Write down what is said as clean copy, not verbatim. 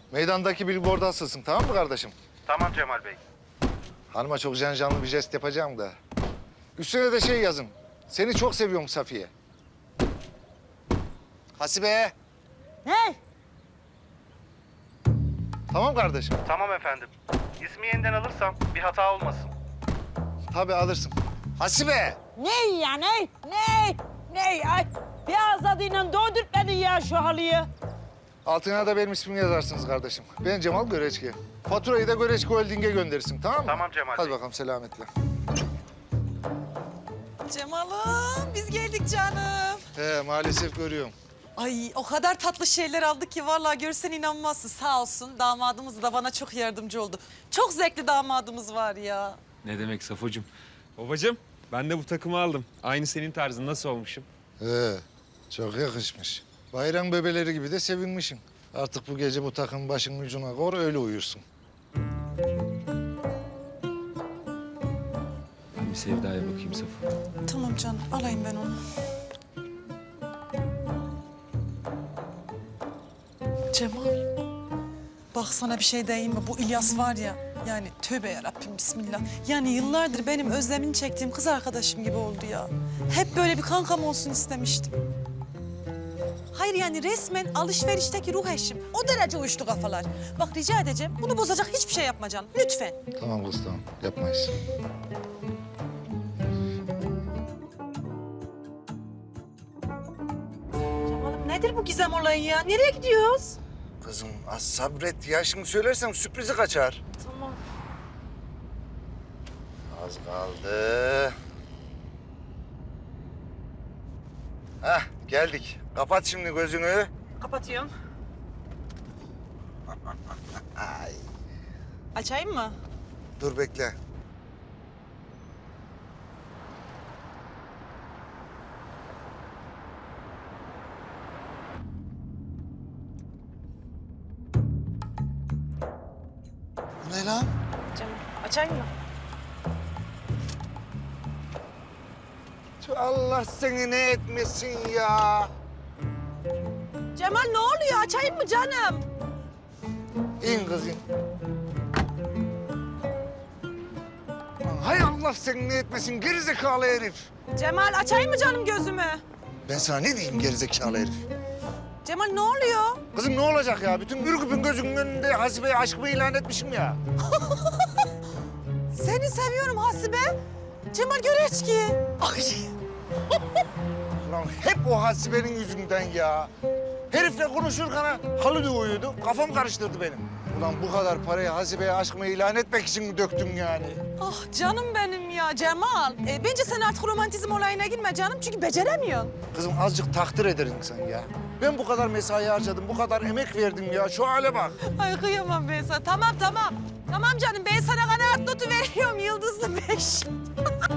Meydandaki billboard'a asılsın, tamam mı kardeşim? Tamam Cemal Bey. Hanıma çok canlı bir jest yapacağım da. Üstüne de şey yazın. Seni çok seviyorum Safiye. Hasibe. Ne? Tamam kardeşim. Tamam efendim. İsmi yeniden alırsam bir hata olmasın. Tabii alırsın. Hasibe. Ne ya ne? Ne? Ay bir azadıyla doldurtmadın ya şu halıyı. Altına da benim ismimi yazarsınız kardeşim. Ben Cemal Göreçki. Faturayı da Göreçki Holding'e gönderirsin, tamam mı? Tamam Cemal Hadi Bey. bakalım selametle. Cemal'ım biz geldik canım. He maalesef görüyorum. Ay o kadar tatlı şeyler aldık ki vallahi görsen inanmazsın. Sağ olsun damadımız da bana çok yardımcı oldu. Çok zevkli damadımız var ya. Ne demek Safocuğum? Babacığım ben de bu takımı aldım. Aynı senin tarzın nasıl olmuşum? He çok yakışmış. Bayram bebeleri gibi de sevinmişsin. Artık bu gece bu takım başının ucuna koy, öyle uyursun. Ben bir Sevda'ya bakayım Safo. Tamam canım alayım ben onu. Cemal. Bak sana bir şey diyeyim mi? Bu İlyas var ya, yani tövbe yarabbim bismillah. Yani yıllardır benim özlemini çektiğim kız arkadaşım gibi oldu ya. Hep böyle bir kankam olsun istemiştim. Hayır yani resmen alışverişteki ruh eşim. O derece uyuştu kafalar. Bak rica edeceğim, bunu bozacak hiçbir şey yapma canım. Lütfen. Tamam kız tamam, yapmayız. Cemal'im nedir bu gizem olayı ya? Nereye gidiyoruz? Kızım az sabret ya. Şimdi söylersem sürprizi kaçar. Tamam. Az kaldı. Hah geldik. Kapat şimdi gözünü. Kapatıyorum. Ay. Açayım mı? Dur bekle. Bu ne lan? Cemal açayım mı? Allah seni ne etmesin ya. Cemal ne oluyor? Açayım mı canım? İn kız in. Lan hay Allah seni ne etmesin gerizekalı herif. Cemal açayım mı canım gözümü? Ben sana ne diyeyim gerizekalı herif? Cemal ne oluyor? Kızım ne olacak ya? Bütün Ürgüp'ün gözünün önünde Hasibe'ye aşkımı ilan etmişim ya. Seni seviyorum Hasibe. Cemal Göreçki. Ay. Lan hep o Hasibe'nin yüzünden ya. Herifle konuşurken halı uyuyordu. Kafam karıştırdı benim. Ulan bu kadar parayı Hasibe'ye aşkımı ilan etmek için mi döktüm yani? Ah canım benim ya Cemal. Bence sen artık romantizm olayına girme canım çünkü beceremiyorsun. Kızım azıcık takdir ederim sen ya. Ben bu kadar mesai harcadım, bu kadar emek verdim ya. Şu hale bak. Ay kıyamam ben sana. Tamam. Tamam canım ben sana kanaat notu veriyorum yıldızlı 5.